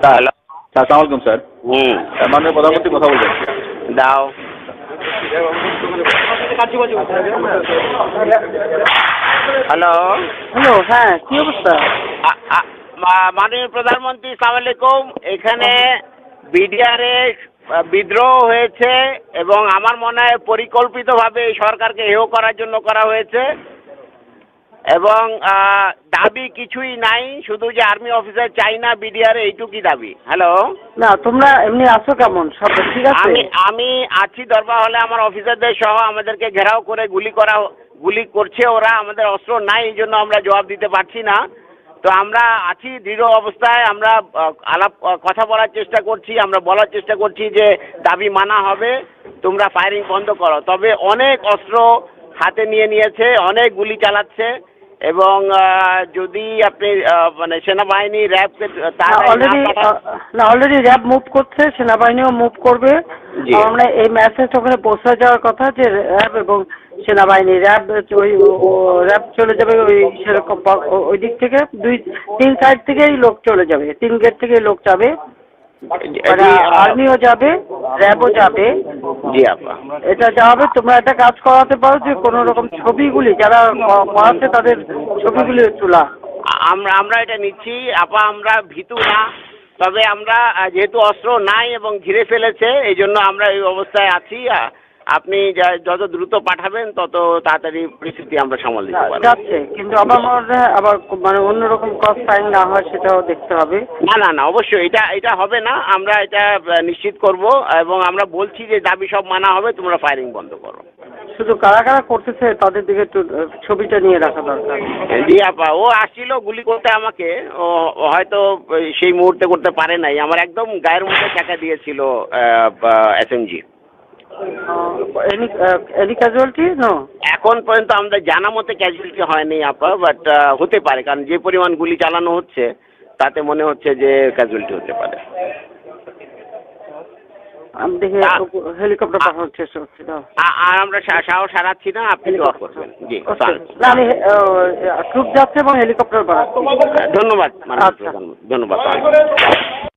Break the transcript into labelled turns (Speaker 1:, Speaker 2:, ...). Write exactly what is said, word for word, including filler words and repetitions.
Speaker 1: Hello,
Speaker 2: আসসালামু আলাইকুম sir.
Speaker 1: হুম,
Speaker 2: মাননীয় প্রধানমন্ত্রী কথা বলবেন।
Speaker 1: দাও। হ্যালো,
Speaker 3: হ্যালো, হ্যাঁ, কি অবস্থা?
Speaker 1: আ- আ- মা- মাননীয় প্রধানমন্ত্রী, সালাম আলাইকুম। এখানে বিডিআরে বিদ্রোহ হয়েছে এবং আমার মনে হয় পরিকল্পিতভাবে এই সরকারকে হেয় করার জন্য করা হয়েছে এবং আহ, দাবি কিছুই নাই, শুধু যে আর্মি অফিসার চাই না বিডিআর, এইটুকুই দাবি। হ্যালো,
Speaker 3: না, তোমরা এমনি আছো কেমন? সব ঠিক আছে?
Speaker 1: আমি আমি আছি দরবার হলে, আমার অফিসারদের সহ আমাদেরকে ঘেরাও করে গুলি করা গুলি করছে ওরা। আমাদের অস্ত্র নাই, এই জন্য আমরা জবাব দিতে পারছি না। তো আমরা আছি দৃঢ় অবস্থায়, আমরা আহ, আলাপ আহ, কথা বলার চেষ্টা করছি, আমরা বলার চেষ্টা করছি যে দাবি মানা হবে, তোমরা ফায়ারিং বন্ধ করো। তবে অনেক অস্ত্র হাতে নিয়ে নিয়েছে, অনেক গুলি চালাচ্ছে এবং আহ, যদি আপনি আহ, মানে সেনাবাহিনী র্যাবকে তারা
Speaker 3: অলরেডি না অলরেডি র্যাব মুভ করছে, সেনাবাহিনীও মুভ করবে।
Speaker 1: জি।
Speaker 3: আমরা এই মেসেজ ওখানে পৌঁছে যাওয়ার কথা যে র্যাব এবং সেনাবাহিনী, র্যাব ওই র্যাব চলে যাবে ওই সেরকম ওই দিক থেকে, দুই তিন সাইড থেকেই লোক চলে যাবে, তিন গেট থেকেই লোক যাবে, মানে আর্মিও যাবে, র্যাবও যাবে।
Speaker 1: জি আপা,
Speaker 3: এটা যাবে। তোমরা একটা কাজ করাতে পারো যে কোনো রকম ছবিগুলি যারা করাচ্ছে তাদের ছবিগুলি তোলা।
Speaker 1: আমরা আমরা এটা নিচ্ছি আপা, আমরা ভীতু না। তবে আমরা আহ, যেহেতু অস্ত্র নাই এবং ঘিরে ফেলেছে, এই জন্য আমরা এই অবস্থায় আছি। আহ, আপনি যা- যত দ্রুত পাঠাবেন তত তাড়াতাড়ি পরিস্থিতি আমরা সামাল দিতে পারবো।
Speaker 3: যাচ্ছে, কিন্তু আবার মনে হয় আবার মানে অন্যরকম কস সাইন না হয় সেটাও দেখতে হবে।
Speaker 1: না না না, অবশ্যই এটা এটা হবে না, আমরা এটা আহ, নিশ্চিত করব এবং আমরা বলছি যে দাবি সব মানা হবে, তোমরা ফায়ারিং বন্ধ করো।
Speaker 3: শুধু কারা কারা করতেছে তাদের দিকে একটু ছবিটা নিয়ে রাখা দরকার।
Speaker 1: জি আপা, ও আসছিল গুলি করতে আমাকে, ও ও হয়তো সেই মুহূর্তে করতে পারে নাই, আমার একদম গায়ের মধ্যে টাকা দিয়েছিল SMG.
Speaker 3: Any any casualty no?
Speaker 1: এখন পর্যন্ত আমাদের জানা মতে ক্যাজুয়ালিটি হয়নি আপা, বাট হতে পারে, কারণ যে পরিমাণ গুলি চালানো হচ্ছে তাতে মনে হচ্ছে যে ক্যাজুয়ালিটি হতে পারে।
Speaker 3: আমি দেখি হেলিকপ্টার পাঠানোর চেষ্টা করছি।
Speaker 1: আ- আর আমরা সা- সাহস হারাচ্ছি না, আপনি দোয়া করবেন। জি,
Speaker 3: না, আমি ট্রুপ যাচ্ছে এবং হেলিকপ্টার পাঠাচ্ছি।
Speaker 1: ধন্যবাদ মাননীয়
Speaker 3: আচ্ছা।
Speaker 1: প্রধানমন্ত্রী, ধন্যবাদ।